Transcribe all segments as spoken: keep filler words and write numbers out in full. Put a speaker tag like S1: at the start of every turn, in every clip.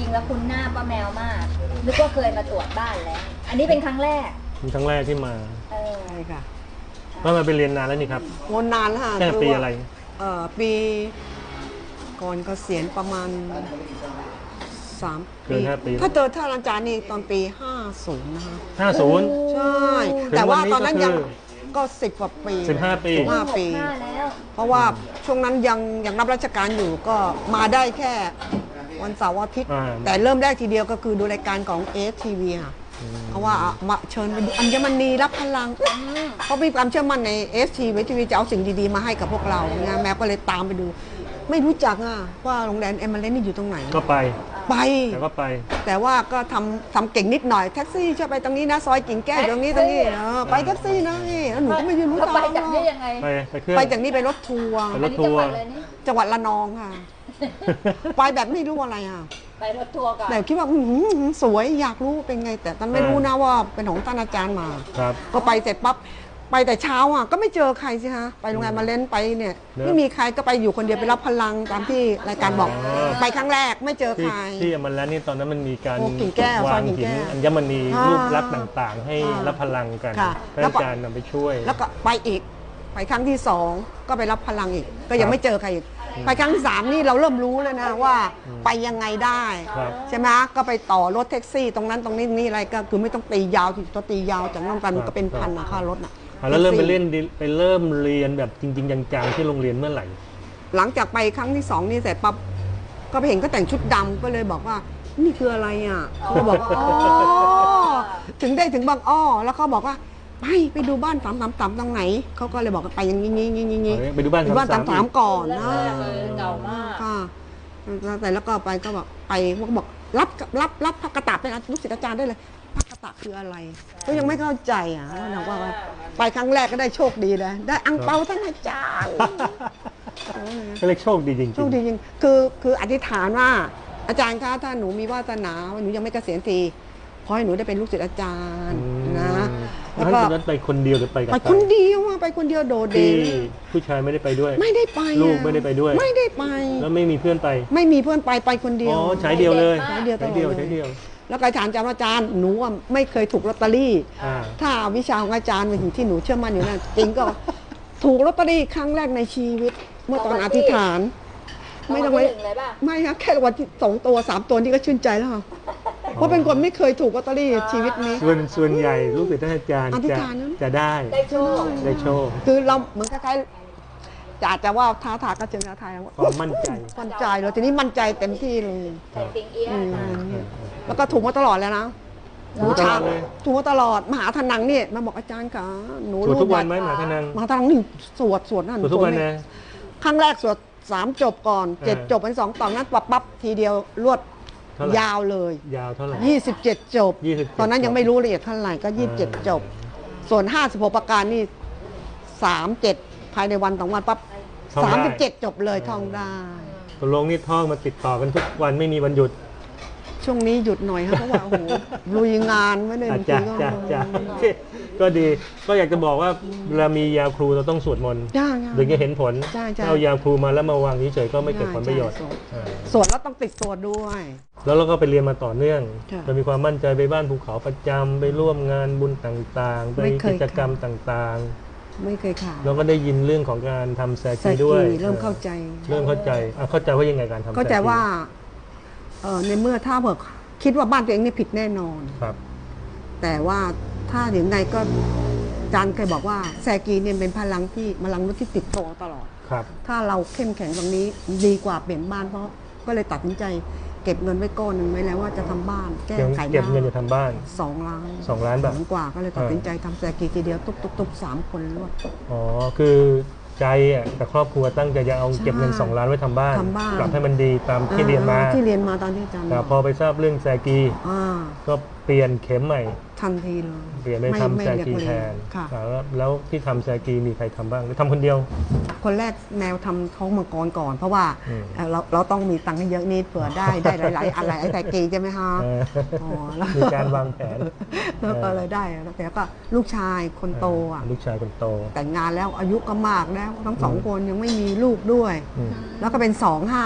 S1: งแล้วคุ้นหน้าป้าแมวมากนึกว่าเคยมาตรวจบ้านแล้ว อันนี้เป็นครั้งแรก
S2: เป็นครั้งแรกที่มา
S1: เออ
S3: ใช่ค่ะ
S2: ก็มาไปเรียนนานแล้วนี่ครับ
S3: วนนานค่ะ
S2: แค่ปีอะไร
S3: เอ่อปีก่อนเกษียณประมาณสามปีถ้าเจอท่านอาจารย์นี่ตอนปีห้าสิบนะคะ
S2: ห้าสิบ
S3: ใช่แต่ว่าตอนนั้นยังก็สิบกว่าปี
S2: สิบห้าปี
S3: สิบห้าปีเพราะว่าช่วงนั้นยังยังรับราชการอยู่ก็มาได้แค่วันเสาร์อาทิตย์แต่เริ่มแรกทีเดียวก็คือดูรายการของเอสทีวีค่ะเพราะว่ามาเชิญไปดูอัญมณีรับพลังเพราะมีความเชื่อมั่นในเอสทีวีทีวีจะเอาสิ่งดีๆมาให้กับพวกเรางานแมวก็เลยตามไปดูไม่รู้จักอ่ะว่าโรงแรมเอมเมอเรนต์นี่อยู่ตรงไหน
S2: ก็ไป
S3: ไป
S2: แต่ก็ไป
S3: แต่ว่าก็ทำทำเก่งนิดหน่อยแท็กซี่ช่วยไปตรงนี้นะซอยกิ่งแก้วตรงนี้ตรงนี้ไปแท็กซี่นะนี่แล้วหนูก็ไม่รู้ทาง
S1: ไปจากนี้ยังไง
S2: ไปไปเครื่อง
S3: ไปจากนี้ไปรถทัวร์
S2: รถทัวร์
S3: จังหวัดระนองค่ะไปแบบไม่รู้อะไรอ่ะ
S1: ไปรถทัวร์ก่อน
S3: แต่คิดว่าสวยอยากรู้เป็นไงแต่ตอนไม่รู้นะว่าเป็นของท่านอาจารย์มาก็ไปเสร็จปั๊บไปแต่เช้าอ่ะก็ไม่เจอใครสิฮะไปโรงแรมมาเล่นไปเนี่ยไม่มีใครก็ไปอยู่คนเดียวไปรับพลังตามที่รายการบอกไปครั้งแรกไม่เจอใคร
S2: ที่มันแล้วนี่ตอนนั้นมันมีการ
S3: ว
S2: างหินอัญมณีรูปลักษณ์ต่างๆให้รับพลังกันท่านอาจารย์นำไปช่วย
S3: แล้วก็ไปอีกไปครั้งที่สองก็ไปรับพลังอีกก็ยังไม่เจอใครอีกไปครั้งที่สามนี่เราเริ่มรู้เลยนะว่าไปยังไงได้ใช่ไหมก็ไปต่อรถแท็กซี่ตรงนั้นตรงนี้นี่อะไรก็คือไม่ต้องตียาวที่ตัวตียาวจากน้องกันมันก็เป็นพันนะค่ารถน่ะ
S2: แล้วเริ่มไปเล่นไปเริ่มเรียนแบบจริงๆจังๆที่โรงเรียนเมื่อไหร่
S3: หลังจากไปครั้งที่สองนี่เสร็จปั๊บก็ไปเห็นก็แต่งชุดดำก็เลยบอกว่านี่คืออะไรอ่ะเขาบอกว่าอ๋อถึงได้ถึงบางอ้อแล้วเขาบอกว่าไปไปดูบ้านสามสามสามตรงไหนเขาก็เลยบอกไปอย่างนี้งี้งี้งี้
S2: ไปดูบ้าน
S3: บ้านสามสามก่อนนะ
S1: เก่ามาก
S3: ค่ะแต่แล้วก็ไปก็บอกไปเขาก็บอกรับรับรับพระกระตาเป็นลูกศิษย์อาจารย์ได้เลยพระกระตาคืออะไรก็ยังไม่เข้าใจอ่ะเราว่าไปครั้งแรกก็ได้โชคดีเลยได้อังเปาท่านอาจารย์
S2: ก็เลยโชคดีจริง
S3: โชคดีจริงคือคืออธิษฐานว่าอาจารย์คะถ้าหนูมีวาสนาหนูยังไม่เกษียณทีขอให้หนูได้เป็นลูกศิษย์อาจารย์นะ
S2: แล้วก็ไปคนเดียวหรือไปกับ
S3: ไปคนเดียวไปคนเดียวโดดเด่น
S2: ผู้ชายไม่ได้ไปด้วย
S3: ไม่ได้ไป
S2: ลูกไม่ได้ไปด้วย
S3: ไม่ได้ไป
S2: แล้วไม่มีเพื่อนไป
S3: ไม่มีเพื่อนไปไปคนเดียว
S2: อ๋อใช้เดียวเลย
S3: ใช้เดียว
S2: ใช้เดียวใช้เดียว
S3: แล้วอาจารย์จำอาจารย์หนูไม่เคยถูกลอตเตอรี่ถ้าวิชาของอาจารย์เป็นสิ่งที่หนูเชื่อมั่นอยู่นั่นจริงก็ถูกลอตเตอรี่ครั้งแรกในชีวิตเมื่อตอนอธิษฐานไม่ต้องไว้ไม่ครับแค่วันที่สองตัวสามตัวนี่ก็ชื่นใจแล้วเพราะเป็นคนไม่เคยถูกลอตเตอรี่ชีวิตนี้
S2: ส่วนส่วนใหญ่ลูกศิษย์ท่านอาจารย์จะจะได้
S1: ได้โชค
S2: ได้โชค
S3: คือเราเหมือนคล้ายๆอาจจะว่าท้าทายก็เชิงท้าทาย
S2: ความมั่นใจ
S3: มั่นใจเลยทีนี้มั่นใจเต็มที่เลย
S1: ใส่ติงเอี้ย
S3: แล้วก็ถูกมาตลอดแล้วนะถูกตลอดเลยถูกมาตลอดมหาธนังนี่มาบอกอาจารย์ค่ะหนู
S2: รู้ทุกวันไหมมหาธนัง
S3: มหาธนังนี่สวดสวดนั่น
S2: ทุกวันนะ
S3: ครั้งแรกสวดสามจบก่อนเจ็ดจบเป็นสองตอนนั้นปั๊บปั๊บทีเดียวรวดยาวเลย
S2: ยาวเท่าไหร่
S3: ยี่สิบเจ็ดจบตอนนั้นยังไม่รู้ละเอียดเท่าไหร่ก็ยี่สิบเจ็ดจบส่วนห้าสิบหกประการนี่สามเจ็ดภายในวันสองวันปั๊บสามสิบเจ็ดจบเลยท่องได้
S2: ตกลงนี่ท่องมาติดต่อกันทุกวันไม่มีวันหยุด
S3: ช่วงนี้หยุดหน่อยครับเพราะว่าโอ้โหลุยงานไม่ได้
S2: จ้าจ้าจ้าก็ดีก็อยากจะบอกว่าเวลามียาครูเราต้องสวดมนต์ถึงจะเห็นผลถ้าเอายาครูมาแล้วมาวางเฉยๆก็ไม่เกิดผลประโยชน์
S3: สวดแล้วต้องติดตัวด้วย
S2: แล้วเราก็ไปเรียนมาต่อเนื่องจะมีความมั่นใจไปบ้านภูเขาประจำไปร่วมงานบุญต่างๆไปกิจกรรมต่าง
S3: ๆไม่เคยขาด
S2: เราก็ได้ยินเรื่องของการทำแซกีด้วย
S3: เริ่มเข้าใจ
S2: เริ่มเข้าใจเข้าใจว่ายังไงการทำ
S3: เข้าใจว่าในเมื่อถ้าเผื่อคิดว่าบ้านตัวเองนี่ผิดแน่นอน
S2: ครับ
S3: แต่ว่าถ้าอย่างไงก็อาจารย์เคยบอกว่าแซกีเนี่ยเป็นพลังที่พลังที่ติดตัวตลอด
S2: ครับ
S3: ถ้าเราเข้มแข็งตรงนี้ดีกว่าเปลี่ยนบ้านเพราะก็เลยตัดสินใจเก็บเงินไว้ก้อนหนึ่งไว้แล้วว่าจะทำบ้านแก้ไข
S2: เก็บเงินจะทำบ้าน
S3: สองล้าน
S2: สองล้านบาท
S3: กว่าก็เลยตัดสินใจทำแซกีทีเดียวตุ๊บตุ๊บตุ๊บสามคนรวด
S2: อ๋อคือใจอ่ะแต่ครอบครัวตั้งใจจะเอาเก็บเงินสองล้านไว้ทำบ้านปรับให้มันดีตามที่เรียนมา
S3: ที่เรียนมาตอนที่อาจารย์
S2: แต่พอไปทราบเรื่องแซกีก็เปลี่ยนเข็มใหม่
S3: ทันทีเลย
S2: เปลี่ยนไปทำแซกีแทนแล้วที่ทำแซกีมีใครทำบ้างหรือทำคนเดียว
S3: คนแรกแนวทำท้องมังกรก่อนเพราะว่าเราเราต้องมีตังค์ให้เยอะนิดเผื่อได้ได้หลายๆอะไรไอ้แซกีใช่ไหมฮะ
S2: มีการวางแผน
S3: แล้วก็เลยได้แล้วก็ลูกชายคนโตอ่ะ
S2: ลูกชายคนโต
S3: แต่งงานแล้วอายุก็มากแล้วทั้งสองคนยังไม่มีลูกด้วยแล้วก็เป็นสองห้า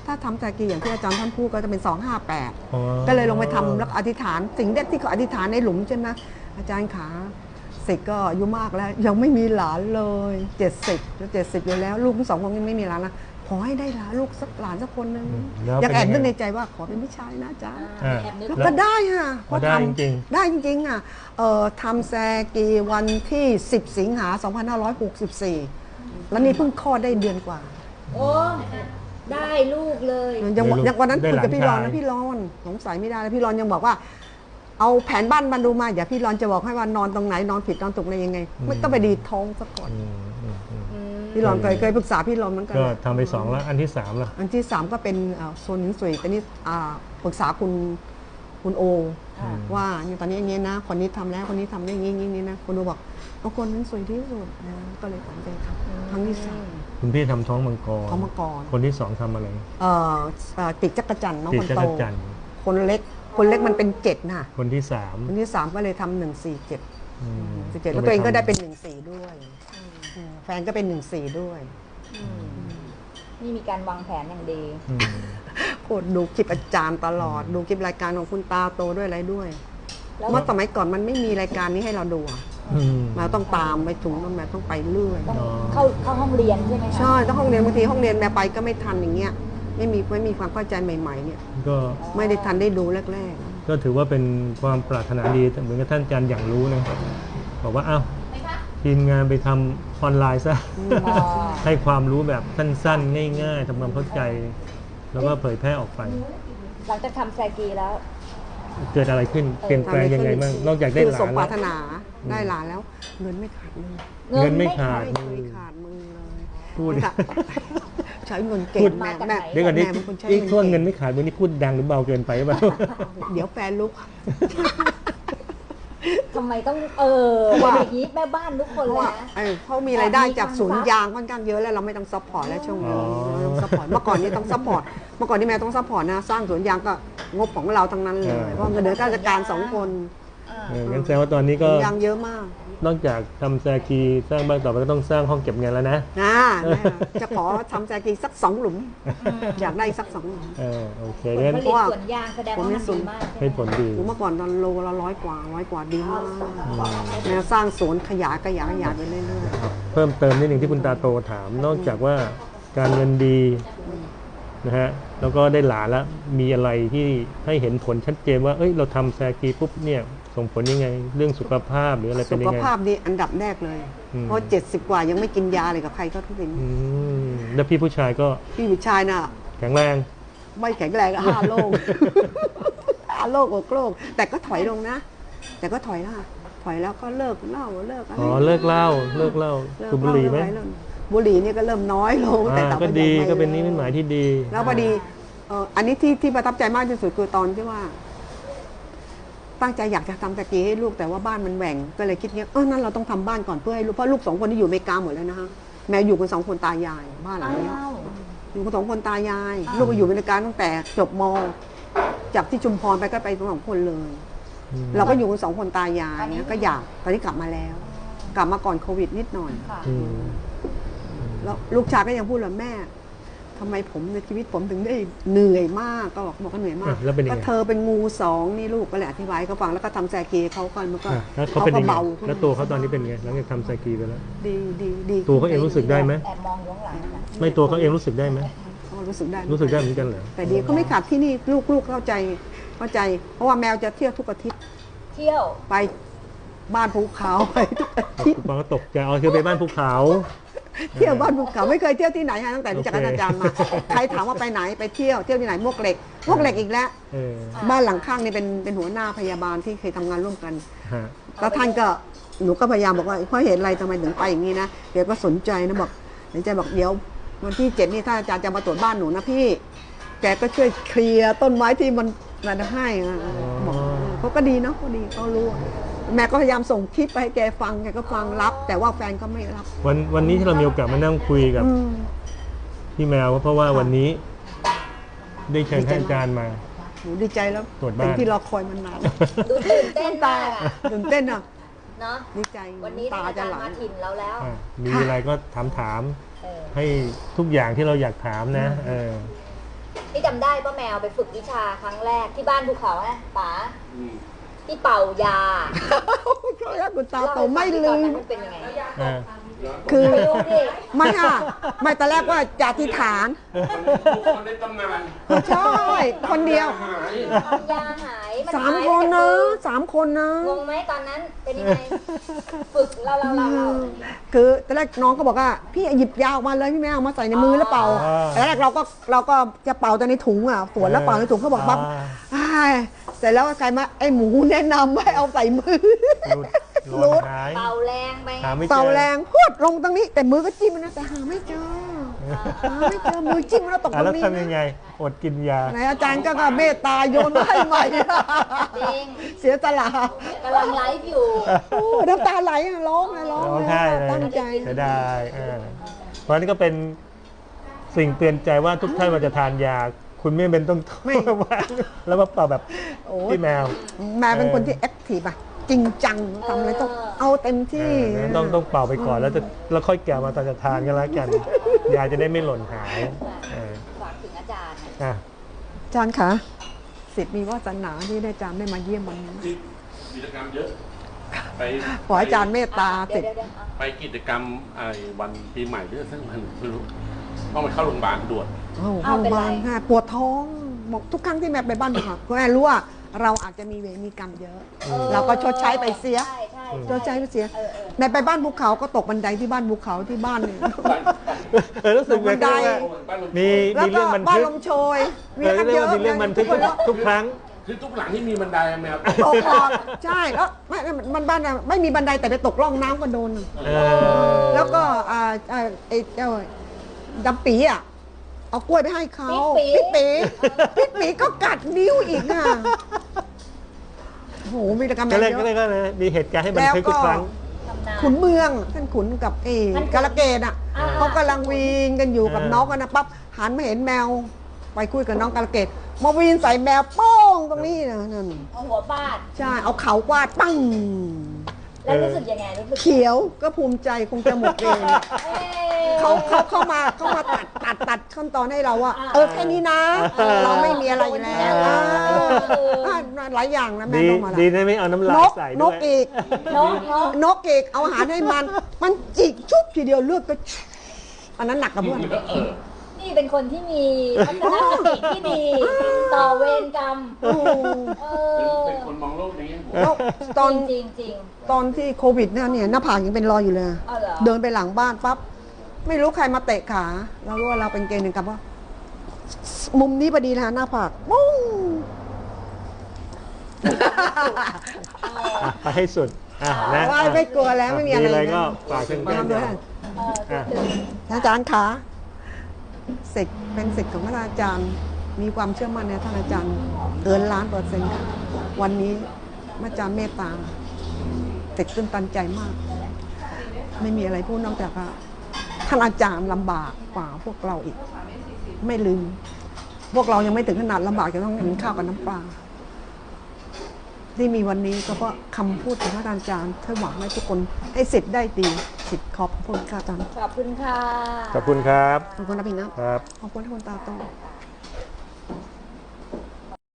S3: ถ้าทำแซกีอย่างที่อาจารย์ท่านพูดก็จะเป็นสองห้าแปด
S2: อ๋อ
S3: ก็เลยลงไปทำแล้วอธิษฐานสิ่งแรกที่เขาอธิษฐานในหลุมใช่ไหมอาจารย์ขาเสกก็อายุมากแล้ว ยังไม่มีหลานเลยเจ็ดสิบจะเจ็ดสิบอยู่แล้ว ลูกทั้งสองคนยังไม่มีหลานนะขอให้ได้หลานลูกสักหลานสักคนนึง
S2: แล้ว
S3: อยากแอบ
S2: เป็นยังไง
S3: นึกในใจว่าขอเป็นผู้ชายนะอาจารย์
S2: อ่า
S1: แอบนึก
S3: แล้วก็ได้ค่ะ
S2: พอได้
S3: ทำ
S2: จริง
S3: ได้จริงๆอ่ะเอ่อทำแซกีวันที่สิบสิงหาสองพันห้าร้อยหกสิบสี่แล้วนี่เพิ่งคลอดได้เดือนกว่า
S1: โอ้ได้ลูกเลย
S3: ยัง
S2: ได้ลูก
S3: ยังวันนั้น
S2: ได้
S3: คุย
S2: หลาน
S3: กับพี่รอน
S2: ชาย
S3: นะพี่รอนสงสัยไม่ได้แล้วพี่รอนยังบอกว่า เอาแผนบ้านมาดูมาอย่าพี่รอนจะบอกให้ว่านอนตรงไหนนอนผิดนอนถูกอะไรยังไง ไม่ต้องไปดีดท้องซะก่อน
S2: อืมอืมอืม
S3: พี่รอนเคยเคยปรึกษาพี่รอนเหมือนกัน
S2: ก็ทำไปสองแล้วอันที่สามล่ะ
S3: อันที่สามก็เป็นอ่าโซนหินสวยแต่นี่อ่าปรึกษาคุณคุณโอ
S1: อ่า
S3: ว่าเนี่ยตอนนี้อย่างนี้นะ คนนี้ทำแล้วคนนี้ทำได้อย่างนี้อย่างนี้นะคุณโอบอกเอาคนนั้นสวยที่สุดนะก็เลยตัดสินใจทำครั้งที่สาม
S2: คุณพี่ทำท้องมังกร
S3: ท้องมังกร
S2: คนที่สองทำอะไร
S3: เอ่อเอ่อติดจักรจันทร์น้อง
S2: ติด
S3: คน
S2: จั
S3: โต
S2: กรจันทร์
S3: คนเล็กคนเล็กมันเป็นเจ็ดน่ะ
S2: คนที่สาม
S3: คนที่สามก็เลยทำหนึ่งสี่เจ็ด
S2: อืม
S3: สิบเจ็ดแล้วตัวเองก็ได้เป็นหนึ่งสี่ด้วยอืมแฟนก็เป็นหนึ่งสี่ด้วย
S1: อืมนี่มีการวางแผนอย่างดี
S2: อืม
S3: โคตรดูคลิปอาจารย์ตลอด ดูคลิปรายการของคุณตาโตด้วยอะไรด้วย
S1: แล้ว
S3: เมื่อสมัยก่อนมันไม่มีรายการนี้ให้เราดูอะ
S2: อืม
S3: เราต้องตามไปถุงมันแบบต้องไปเรื่อย
S1: ต้อง
S2: อ๋อ
S1: เข้าเข้าห้องเรียนใช่ไหมคะ
S3: ใช่ต้องห้องเรียนบางทีห้องเรียนแม่ไปก็ไม่ทันอย่างเงี้ยไม่มีไม่มีความเข้าใจใหม่ๆเนี่ย
S2: ก็
S3: ไม่ได้ทันได้ดูแรก
S2: ก็ถือว่าเป็นความปรารถนาดีเหมือนกับท่านอาจารย์อย่างรู้นะบอกว่าอ้าวทีมงานไปทำออนไลน์ซะ
S1: อ๋อ
S2: ให้ความรู้แบบสั้นๆ ง่ายๆทำความเข้าใจ แล้วก็เผยแพร่ออกไป
S1: หลังจากทำแซกีแล้ว
S2: เกิดอะไรขึ้น เปลี่ยน
S3: ๆ
S2: แปลงยังไงบ้างนอกจากได้
S3: คือ
S2: หลา
S3: สม
S2: น
S3: ป
S2: แล้
S3: ราว รถนาได้หลานแล้ว เงินไม่ขาดมือ
S2: เงินไม่ขาด
S3: ไม่เคยขาดมือเลย
S2: พูด
S3: ค่ะใช้เงินเก่
S2: พู
S3: ง
S2: ด
S3: แม่
S1: มาจาก
S3: แม่
S1: ไหน
S2: เดี๋ยวก่อนนี้
S3: แม่เป็นคนใช้
S2: นี่
S3: เงิน
S2: ช่วง
S3: เก่ง
S2: เงินไม่ขาดมือนี่พูดดังหรือเบาเกินไปหรือเปล่า
S3: เดี๋ยวแฟนลุก
S1: ทำไมต้องเออ
S3: เพราะว่า
S1: เป็นอย่างนี้แม่บ้านทุกคน
S3: เพราะ
S1: เลย
S3: ว่า
S1: นะ
S3: เออเขามีรายได้จากศูนย์ยางค่อนข้างเยอะแล้วเราไม่ต้องซัพพอร์ตแล้วช่วงนี้
S2: อ๋อ
S3: เราต้องซัพพอร์ตเมื่อก่อนนี้ต้องซัพพอร์ตเมื่อก่อนนี่แม่ต้องซัพพอร์ตนะสร้างสวนยางก็งบของเราทั้งนั้นเลยเพราะเงินเดือนข้าราชการสองคน
S2: เอองั้นแสดงว่าตอนนี้ก็
S3: ยางเยอะมาก
S2: นอกจากทำแซกีสร้างบ้านต่อไปก็ต้องสร้างห้องเก็บเงินแล้วนะ
S3: นะแม่จะขอทำแจกีสักสองหลุม อยากได้สักสองหลุม
S2: เออโอเค
S1: ผล
S2: งั้น
S1: ผลิตสวนยางแสดงว่ามันดีมาก
S2: ให้ผลดี
S3: หนูเมื่อก่อนตอนโลละร้อยกว่าร้อยกว่าดีมากแนวสร้างสวนขยายขยายขยายไปเรื่อย
S2: เพิ่มเติมนิดหนึ่งที่คุณตาโตถาม นอกจากว่าการเงินดีนะฮะแล้วก็ได้หลานแล้วมีอะไรที่ให้เห็นผลชัดเจนว่าเอ้ยเราทำแซกีปุ๊บเนี่ยส่งผลยังไง เรื่องสุขภาพหรืออะไร
S3: ๆ
S2: เป็
S3: สุ
S2: น
S3: ข
S2: ยังไง
S3: ภาพดีอันดับแรกเลย
S2: อืม
S3: เพราะเจ็ดสิบกว่ายังไม่กินยาเลยกับใครก็ทุกสิ่ง
S2: อืมแล้วพี่ผู้ชายก็
S3: พี่วิชัยน่ะ
S2: แข็งแรง
S3: ไม่แข็งแรงอะห้าโลก ห้าโลกหกโลกแต่ก็ถอยลงนะ แต่ก็ถอยนะถอยแล้วก็เลิกเหล้าเลิกอะไร
S2: อ๋อเลิกเหล้าเลิกเหล้า
S3: เลิก
S2: สูบบุหรี่ไหม
S3: เลิกเลิกบุหรี่นี่ก็เริ่มน้อยลงแต่
S2: อ่า
S3: ต่อ
S2: ก็
S3: ไป
S2: ดี
S3: ยังไม่
S2: ก็เป็นนิมิตหมายที่ดี
S3: แล้วพอดีเอ่ออันนี้ที่ที่ประทับใจมากที่สุดคือตอนที่ว่า ตั้งใจอยากจะทำตะกี้ให้ลูกแต่ว่าบ้านมันแหว่งก็เลยคิดเงี้ยเออนั่นเราต้องทำบ้านก่อนเพื่อให้ลูกเพราะลูกสองคนที่อยู่อเมริกาหมดแล้วนะฮะแม่อยู่กันสองคนตายายบ้านหลังเนี้ย
S1: อ้าว
S3: อยู่กันสองคนตายาย
S1: อ้าว
S3: ลูกก็อยู่อเมริกาตั้งแต่จบมจากที่ชุมพรไปก็ไปสองคนเลย
S2: อืม
S3: เราก็อยู่กันสองคนตายายเนี้ยก็อยากตอนนี้กลับมาแล้ว กลับมาก่อนโควิดนิดหน่อย
S1: ค่ะ
S2: อืม
S3: แล้วลูกชายก็ยังพูดเลยแม่ทำไมผมในชีวิตผมถึงได้เหนื่อยมากก็บอกบอกว่าเหนื่อยมาก
S2: อ่ะแล้วเป็นยังไง
S3: ก็เธอเป็นงูสองนี่ลูกก็เลยอธิบายให้เขาฟังแล้วก็ทำแซกีเขาก็มันก็
S2: อ่ะแล้วเขาเป็นยังไง
S3: เบาขึ้น
S2: แล้วตัวเขาตอนนี้เป็นไงหลังจากทำแซกีไปแล้ว
S3: ดีดีดี
S2: ตัวเขาเองรู้สึกได้ไหม
S1: แอบมองอยู่ข้างหลังนะ
S2: ไม่ตัวเขาเองรู้สึกได้ไหม
S3: เขารู้สึกได้
S2: รู้สึกได้เหมือนกันเหรอ
S3: แต่ดีเขาไม่ขาดที่นี่ลูกลูกเข้าใจเข้าใจ เพราะว่าแมวจะเที่ยวทุกอาทิตย์
S1: เที่ยว
S3: ไปบ้านภูเขาไปทุกอาทิตย์
S2: คุณปองก็ตกใจอ๋อคือไปบ้านภูเขา
S3: เที่ยวบ้านภูเขาไม่เคยเที่ยวที่ไหนฮะตั้งแต่รู้จักอาจารย์มาใครถามว่าไปไหนไปเที่ยวเที่ยวที่ไหนมวกเหล็กมวกเหล็กอีกแล้ว
S2: เออ
S3: บ้านหลังข้างนี่เป็นเป็นหัวหน้าพยาบาลที่เคยทำงานร่วมกัน
S2: ฮะ
S3: แล้วท่านก็หนูก็พยายามบอกว่าเพราะเห็นอะไรทำไมถึงไปอย่างนี้นะเดี๋ยวก็สนใจนะบอกเดี๋ยวใจบอกเดี๋ยววันที่เจ็ดนี่ถ้าอาจารย์จะมาตรวจบ้านหนูนะพี่ แกก็ช่วยเคลียร์ต้นไม้ที่มันอะไรให้อะบอกเขาก็ดีเนาะเขาดีเขารู้อะแม่ก็พยายามส่งคลิปไปให้แกฟังแกก็ฟังรับ แต่ว่าแฟนก็ไม่รับ
S2: วันวันนี้ที่เรามีโอกาสมานั่งคุยกับ
S3: อืม
S2: พี่แมวเพราะว่า
S3: ค่ะ
S2: วันนี้ ได้เชิญ
S3: ดีใจ
S2: ท่านอาจารย์มา
S3: หนูดีใจแล้ว
S2: ตรวจบ้าน
S3: เป็นที่รอคอยมานาน
S1: ดูตื่นเต้นมากอะ
S3: ตื่นเต้นอ่ะ
S1: เนาะ
S3: ดีใจ
S1: วันนี้
S3: ตา
S1: อา
S3: จะ
S1: จาร
S3: ไหล
S1: ย์มาถิ่นเราแล้ว
S2: อ่ะมีอะไรก็ถามถาม
S1: เออ
S2: ให้ทุกอย่างที่เราอยากถามนะ เออ
S1: พี่จำได้ป้าแมวไปฝึกวิชาครั้งแรกที่บ้านภูเขาอะป๋าที่เป่ายา
S3: ก็แล้วคุณตาโตไม่ลืม
S1: มันเป็นยังไง
S2: อ่า
S3: คือ
S1: ไม่รู้ดิ
S3: ไม่ค่ะไม่ตอนแรกว่าจะอธิษฐาน
S4: คนในตำนาน
S3: ใช่คนเดียว
S4: หาย
S1: ยาหายน
S3: สาม
S1: หาย
S3: คน
S1: ไป
S3: นะ
S1: จาก
S3: สามคนนะ
S1: มืองงไหมตอนนั้นเป็นยังไงฝึกเราเราเราเรา
S3: คือตอนแรกน้องก็บอกว่าพี่หยิบยาออกมาเลยพี่แม่เอามาใส่ในมือแล้วเป่าตอนแรกเราก็เราก็จะเป่าแต่ในถุงอ่ะสวนแล้วเป่าในถุงเขาบอกปั๊บอ้ายเสร็จแล้วใครมาไอ้หมูแนะนำให้เอาใส่มือ
S2: หลุดหลุดหาย
S1: เป่าแรงไป
S2: หาไม่เจอ
S3: เป่าแรงพวดลงตรงนี้ แต่มือก็จิ้มนะแต่หาไม่เจอหาไม่เจอมือจิ้มแล้วตก
S2: อ่ะ
S3: ตร
S2: แล้ว
S3: งนี้
S2: ทำยังไง อดกินยา
S3: ไหนอาจารย์ก็เมตตาโยนมาให้ใหม่
S1: จริง
S3: เสียสละ
S1: กำลังไลฟ์อยู่
S3: โอ้น้ำตาไหลอะร้องเลยร้อง
S2: ร้อง
S3: เลย
S2: ไห้เลย
S3: ตั้งใจ
S2: เสียดายอ่าเพราะฉะนั้นก็เป็นสิ่งเตือนใจว่าทุกท่านมาจะทานยา คุณไม่เป็นต้อง
S3: ไม่
S2: วางแล้วมาเป่าแบบ
S3: โอ้ย
S2: พี่แมว
S3: แม่เป็นคนที่แอคทีฟอะจริงจังทำอะไรต้องเอาเต็มที่
S2: เออต้องต้องเป่าไปก่อนแล้วจะแล้วค่อยแกะมาตอนจะทานกันแล้วกัน ยาจะได้ไม่หล่นหายเออ
S1: ฝากถึงอาจารย์นะ
S2: อ่ะ
S3: อาจารย์คะสิทธิ์มีวาสนาที่ได้อาจารย์ได้มาเยี่ยมวันนี้
S4: ที่กิจกรรมเยอะ ไป
S3: ขออาจารย์เมตตา
S1: เดี๋
S3: สิ
S1: ยว
S3: ทธิ์
S1: เดี๋ยวเดี๋ยวเอา
S4: ไปกิจกรรมไอ้วันปีใหม่หรือสักวันไม่รู้ต้องไปเข้าโรงพยาบาลด่วน
S3: เอาห้องบ้านค่ะปวดท้องบอกทุกครั้งที่แม่ไปบ้านค่ะก็แม่รู้ว่าเราอาจจะมีเวรมีกรรมเยอะ เราก็ชดใช้ไปเสีย
S1: ใช่ใช่
S3: ชดใช้ไปเสีย
S1: เออเออ
S3: ในไปบ้านภูเขาก็ตกบันไดที่บ้านภูเขาที่บ้านเนี่ย
S2: เออรู้สึกเหมือนกันว่ามี
S3: แล้ว
S2: มี
S3: ก็
S2: เรื่องบัน
S3: บ้าน
S2: ทึก
S3: ลมโชยมี
S2: เออ
S3: กัน
S2: เรี
S3: เย
S2: ยก
S3: อะ
S2: ว่ามีเรื่องบันทึก
S3: ทุกคน
S2: ทุกครั้ง
S4: คือทุกหลังที่มีบันไดอะแมว
S3: ตกหลอดใช่แล้วไม่มันบ้านอะไม่มีบันไดแต่ไปตกร่องน้ำก็โดน
S2: เออ
S3: แล้วก็อ่าอ่าไอ้เจ้าดำปีอ่ะเอากล้วยไปให้เขาปิ๊กปีปิ๊กปีก็กัดนิ้วอีกอ่ะโอ้โหมีกรรม
S2: ก็เลย
S3: เย
S2: ก็เลย
S3: อะ
S2: ก็เลยมีเหตุการณ์ให้บันทึกทุกครั้ง
S1: ทำนาน
S3: ขุนเมืองท่านขุนกับเอ
S1: ท่านขุน
S3: กาลเกตอ่ะ
S1: อ่า
S3: เขากำลังวีนกันอยู่กับ
S2: อ่า
S3: น้องกันนะปั๊บหันมาเห็นแมว ไปคุยกับน้องกาลเกตมาวีนใส่แมวโป้งตรงนี้นะนั่น
S1: เอาหัวฟาด
S3: ใช่เอาเขาวาดปั้ง
S1: แล้วรู้สึกยังไงรู้สึก
S3: เขียวก็ภูมิใจคงจะหมดเวร
S1: เอ้ย
S3: เขาเขาเข้ามาเขามาตัดตัดตัดขั้นตอนให้เราว่า
S1: อ่า
S3: เออแค่นี้นะ
S2: เออ
S3: เราไม่มีอะไรอยู่แล้ว
S2: เออ
S3: เอออ่าหลายอย่างนะแม่
S2: ดี
S3: น้องมาละ
S2: ดีนะไม่เอาน้ำลาน ย
S3: ก
S2: ใส่
S3: น
S2: ด้ว
S3: ก
S2: ย
S3: อีก
S1: นกนก
S3: นกอีกเอาอาหารให้มัน มันจิกชุบทีเดียวเลือดก็ชุบอันนั้นหนักกับเพื่อน
S4: เออ
S1: นี่เป็นคนที่มีทัศนคติที่ดี ต่อเวรกรรม
S3: โอ้โห
S1: เอ
S4: เป็น
S1: อ
S4: คนมองโลกในแง่บวก
S3: แล้วตอน
S1: จริงจริง
S3: ตอนที่โควิดเนี่ยเนี่ยหน้าผากยังเป็นรอยอยู่เลย
S1: เอาเหรอ
S3: เดินไปหลังบ้านปั๊บไม่รู้ใครมาเตะขาเรารู้ว่าเราเป็นเกย์หนึ่งกับว่า มุมนี้พอดีนะหน้าผากมุ้ง
S2: อ่ะไปให้สุดอ่ะนะ
S3: ว่าไม่กลัวแล้วไม่มีอะไร
S2: มีอะไร
S3: นะ
S2: ก็ฝากถึง
S3: มา
S2: กัน
S3: ด้วย
S1: เออ
S2: อ่ะ
S3: อาจารย์คะศิษย์เป็นศิษย์ของท่านอาจารย์ มีความเชื่อมั่นในท่านอาจารย์เกินล้านเปอร์เซ็นต์ค่ะวันนี้อาจารย์เมตตาศิษย์ตื้นตันใจมาก ไม่มีอะไรพูดนอกจากว่าท่านอาจารย์ลำบากกว่าพวกเราอีก ไม่ลืม พวกเรายังไม่ถึงขนาดลำบากจะต้องกินข้าวกับน้ำปลาที่มีวันนี้ก็เพราะคำพูดของท่านอาจารย์เพื่อหวังให้ทุกคนให้ศิษย์ได้ดีศิษย์ขอบคุณค่ะอาจารย์
S1: ขอบคุณค่ะ
S2: ขอบคุณครับ
S3: ขอบคุณนะพี่นะครับ ขอบคุณทุกคนตาโต